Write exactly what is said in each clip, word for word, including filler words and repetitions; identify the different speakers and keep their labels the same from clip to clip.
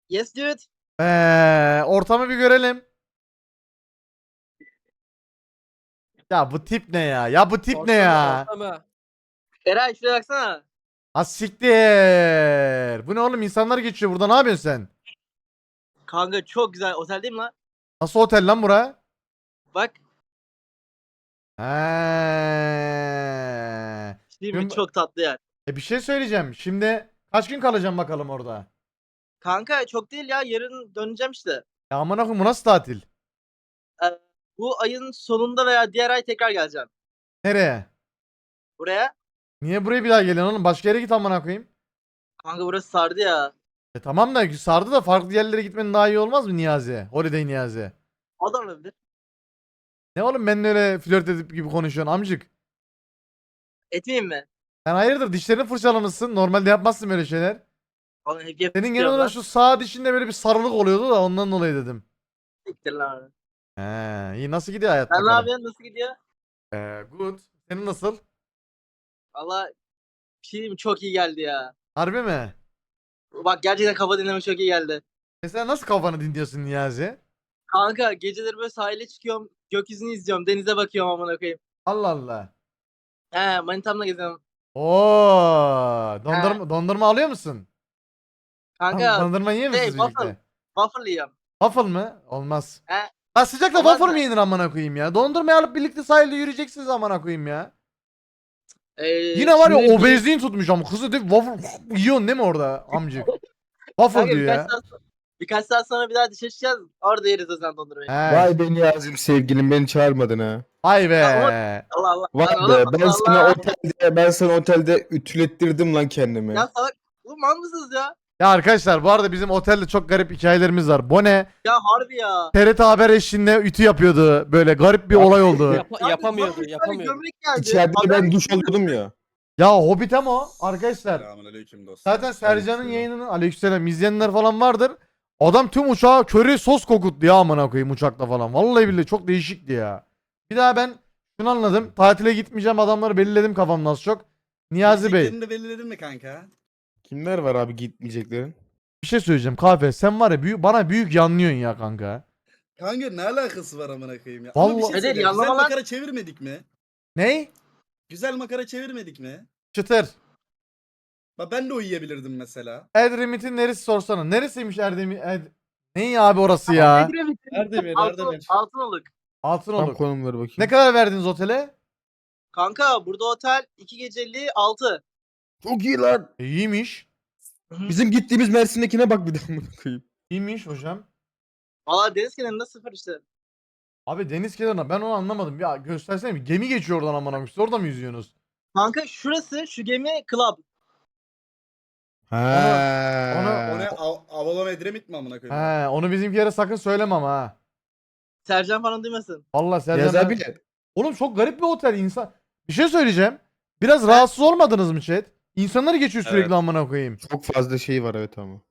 Speaker 1: Yes dude.
Speaker 2: Ee, ortamı bir görelim. Ya bu tip ne ya? Ya bu tip ne
Speaker 3: Ortamı,
Speaker 2: ya?
Speaker 3: ortamı.
Speaker 1: Eray şuraya baksana.
Speaker 2: Ha siktir. Bu ne oğlum? İnsanlar geçiyor burada. Ne yapıyorsun sen?
Speaker 1: Kanka çok güzel otel değil mi lan?
Speaker 2: Nasıl otel lan bura?
Speaker 1: Bak.
Speaker 2: He.
Speaker 1: Değil mi?
Speaker 2: Şimdi-
Speaker 1: Çok tatlı yer.
Speaker 2: E bir şey söyleyeceğim. Şimdi kaç gün kalacağım bakalım orada?
Speaker 1: Kanka çok değil ya. Yarın döneceğim işte.
Speaker 2: Ya amına koyayım, bu nasıl tatil?
Speaker 1: Ee, bu ayın sonunda veya diğer ay tekrar geleceğim.
Speaker 2: Nereye?
Speaker 1: Buraya.
Speaker 2: Niye buraya bir daha geliyorsun oğlum? Başka yere git amına koyayım.
Speaker 1: Kanka burası sardı ya.
Speaker 2: E tamam da sardı da farklı yerlere gitmenin daha iyi olmaz mı Niyazi? Holiday Niyazi.
Speaker 1: O da olabilir.
Speaker 2: Ne oğlum benimle öyle flört edip gibi konuşuyorsun amcık?
Speaker 1: Etmeyeyim mi?
Speaker 2: Sen hayırdır, dişlerini fırçalamışsın. Normalde yapmazsın böyle şeyler.
Speaker 1: Onu hep yapıp
Speaker 2: Senin genel
Speaker 1: istiyorum
Speaker 2: olarak
Speaker 1: lan.
Speaker 2: şu sağ dişinde böyle bir sarılık oluyordu da ondan dolayı dedim.
Speaker 1: Siktir lan.
Speaker 2: He, iyi, nasıl gidiyor hayat
Speaker 1: Sen ne
Speaker 2: bakalım?
Speaker 1: yapıyorsun? Nasıl gidiyor?
Speaker 2: Ee, good. Senin nasıl?
Speaker 1: Valla bir şey diyeyim mi? Çok iyi geldi ya.
Speaker 2: Harbi mi?
Speaker 1: Bak gerçekten kafa dinleme çok iyi geldi.
Speaker 2: Mesela nasıl kafanı dinliyorsun Niyazi?
Speaker 1: Kanka geceleri böyle sahile çıkıyorum. Gökyüzünü izliyorum. Denize bakıyorum amına koyayım.
Speaker 2: Allah Allah.
Speaker 1: He manitamla geziyorum.
Speaker 2: Oo, dondurma, dondurma alıyor musun?
Speaker 1: Kanka
Speaker 2: Dondurma yiyor
Speaker 1: şey
Speaker 2: musunuz
Speaker 1: waffle.
Speaker 2: birlikte?
Speaker 1: Waffle yiyorum.
Speaker 2: Waffle mı? Olmaz.
Speaker 1: He.
Speaker 2: Ha sıcakta
Speaker 1: Olmaz
Speaker 2: waffle
Speaker 1: mı?
Speaker 2: mı yenir amına koyayım ya? Dondurmayı alıp birlikte sahilde yürüyeceksiniz amına koyayım ya.
Speaker 1: Ee,
Speaker 2: Yine var ya
Speaker 1: şimdi bir-
Speaker 2: obezliğin tutmuş ama kızı değil waffle yiyorsun değil mi orada amcık? Waffle
Speaker 1: Kanka
Speaker 2: diyor
Speaker 1: birkaç
Speaker 2: ya.
Speaker 1: saat, birkaç saat sonra bir daha dışarı çıkacağız. Orada yeriz o zaman dondurmayı.
Speaker 2: He.
Speaker 4: Vay be Niyazim sevgilim beni çağırmadın ha.
Speaker 2: Vay be.
Speaker 1: Ya Allah Allah.
Speaker 4: Vay
Speaker 1: Lan
Speaker 4: be
Speaker 1: oğlum,
Speaker 4: ben
Speaker 1: Allah
Speaker 4: sana
Speaker 1: Allah.
Speaker 4: otelde ben sana otelde ütülettirdim lan kendimi.
Speaker 1: Ya salak. Oğlum mal mısınız ya?
Speaker 2: Ya arkadaşlar bu arada bizim otelde çok garip hikayelerimiz var. Bone
Speaker 1: Ya harbi ya.
Speaker 2: T R T Haber eşliğinde ütü yapıyordu. Böyle garip bir olay oldu.
Speaker 3: Yap-
Speaker 1: Abi,
Speaker 3: yapamıyordu,
Speaker 1: bana bir tane
Speaker 3: yapamıyordu.
Speaker 1: Gömlek geldi.
Speaker 4: İçeride de
Speaker 1: Haber-
Speaker 4: ben duş alıyordum ya.
Speaker 2: Ya Hobbit ama o arkadaşlar.
Speaker 5: Selamünaleyküm dostum.
Speaker 2: Zaten Sercan'ın
Speaker 4: Aleykümselam.
Speaker 2: yayınını aleykümselam izleyenler falan vardır. Adam tüm uçağa köri sos kokuttu ya amına koyayım uçakta falan. Vallahi billahi çok değişikti ya. Bir daha ben şunu anladım. Tatile gitmeyeceğim, adamları belirledim kafamda az çok. Niyazi Bey,
Speaker 5: Gideceklerini de belirledin mi kanka?
Speaker 4: Kimler var abi gitmeyeceklerin?
Speaker 2: bir şey söyleyeceğim kahve. Sen var ya büyük, bana büyük yanlıyorsun ya kanka.
Speaker 5: Kanka ne alakası var amına koyayım ya?
Speaker 2: Vallahi-
Speaker 5: Ama bir şey
Speaker 1: Nedir,
Speaker 5: söyleyeyim. Güzel
Speaker 1: yanlamalar-
Speaker 5: makara çevirmedik mi?
Speaker 2: Ney?
Speaker 5: Güzel makara çevirmedik mi?
Speaker 2: Çıtır.
Speaker 5: Bak ben de uyuyabilirdim mesela.
Speaker 2: Edremit'in neresi sorsana. Neresiymiş Erdemir? Ed... Ne abi orası ya?
Speaker 1: Edremit'in
Speaker 5: Erdemir,
Speaker 1: Altın,
Speaker 5: Erdemir.
Speaker 1: Altınoluk.
Speaker 4: Tam
Speaker 2: Altınoluk.
Speaker 4: konumları bakayım.
Speaker 2: Ne kadar verdiniz otele?
Speaker 1: Kanka burada otel iki geceli altı.
Speaker 4: Çok iyi lan.
Speaker 2: E, iyiymiş.
Speaker 4: Bizim gittiğimiz Mersin'dekine bak bir daha amına koyayım.
Speaker 2: İyiymiş hocam.
Speaker 1: Valla deniz kenarında sıfır işte.
Speaker 2: Abi deniz kenarına ben onu anlamadım. Ya göstersene bir gemi geçiyor oradan amına koyayım. Siz orada mı yüzüyorsunuz?
Speaker 1: Kanka şurası şu gemi club.
Speaker 4: Ha.
Speaker 2: onu-
Speaker 5: O ne? Av- Avalon Edremit mi amına koyayım?
Speaker 2: He, onu bizimkilere sakın söylemem ama ha.
Speaker 1: Sercan falan duymasın.
Speaker 2: Vallahi Sercan.
Speaker 4: Niyaz
Speaker 2: ben-
Speaker 4: abi de.
Speaker 2: Oğlum çok garip bir otel insan. Bir şey söyleyeceğim. Biraz rahatsız olmadınız mı chat? İnsanlar geçiyor sürekli
Speaker 5: Evet.
Speaker 2: amına koyayım.
Speaker 4: Çok fazla şey var evet ama.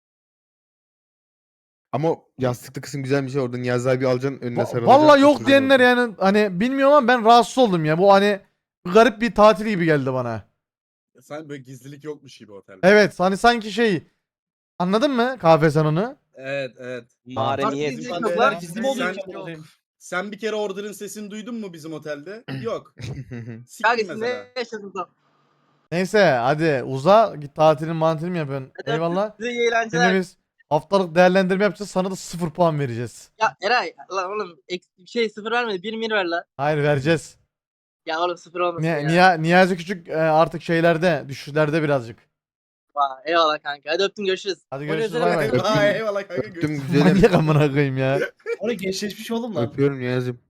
Speaker 4: Ama o yastıklı kısım güzelmiş ya orada Niyaz abi alacaksın önüne
Speaker 2: Va-
Speaker 4: sarılacaksın.
Speaker 2: Vallahi
Speaker 4: çok
Speaker 2: yok
Speaker 4: güzel
Speaker 2: diyenler
Speaker 4: oldu.
Speaker 2: yani hani bilmiyorum ama ben rahatsız oldum ya. Bu hani garip bir tatil gibi geldi bana.
Speaker 5: Sen böyle gizlilik yokmuş gibi otelde.
Speaker 2: Evet hani sanki şey, anladın mı kahve sen onu?
Speaker 5: Evet, evet.
Speaker 3: Mahremiyet.
Speaker 1: Bizim
Speaker 5: Sen-
Speaker 1: çocuklar
Speaker 5: sen-
Speaker 1: gizli mi oluyor?
Speaker 5: sen- Sen bir kere order'ın sesini duydun mu bizim otelde? Yok.
Speaker 1: Kanka
Speaker 5: Siktir
Speaker 1: siz
Speaker 5: mesela.
Speaker 1: ne yaşadınız lan?
Speaker 2: Neyse hadi uza git, tatilin mantilini mi yapıyorsun?
Speaker 1: Hadi
Speaker 2: Eyvallah.
Speaker 1: Size iyi
Speaker 2: Şimdi
Speaker 1: eğlenceler.
Speaker 2: biz haftalık değerlendirme yapacağız, sana da sıfır puan vereceğiz.
Speaker 1: Ya Eray lan oğlum ek- şey sıfır vermedi. Bir mir ver lan.
Speaker 2: Hayır vereceğiz.
Speaker 1: Ya oğlum sıfır olmasın
Speaker 2: Ni
Speaker 1: ya.
Speaker 2: Niya Niyazi Küçük e, artık şeylerde, düşüşlerde birazcık.
Speaker 1: Vay, eyvallah kanka. Hadi öptüm görüşürüz.
Speaker 2: Hadi
Speaker 3: O
Speaker 2: görüşürüz,
Speaker 3: yüzden
Speaker 2: bay bay.
Speaker 4: Öptüm.
Speaker 5: Aa, eyvallah kanka.
Speaker 4: Öptüm
Speaker 5: görüşürüz.
Speaker 4: güzelim.
Speaker 2: Manyak amına koyayım ya.
Speaker 6: Oraya gençleşmiş oğlum lan.
Speaker 4: Öpüyorum Niyaz'ım.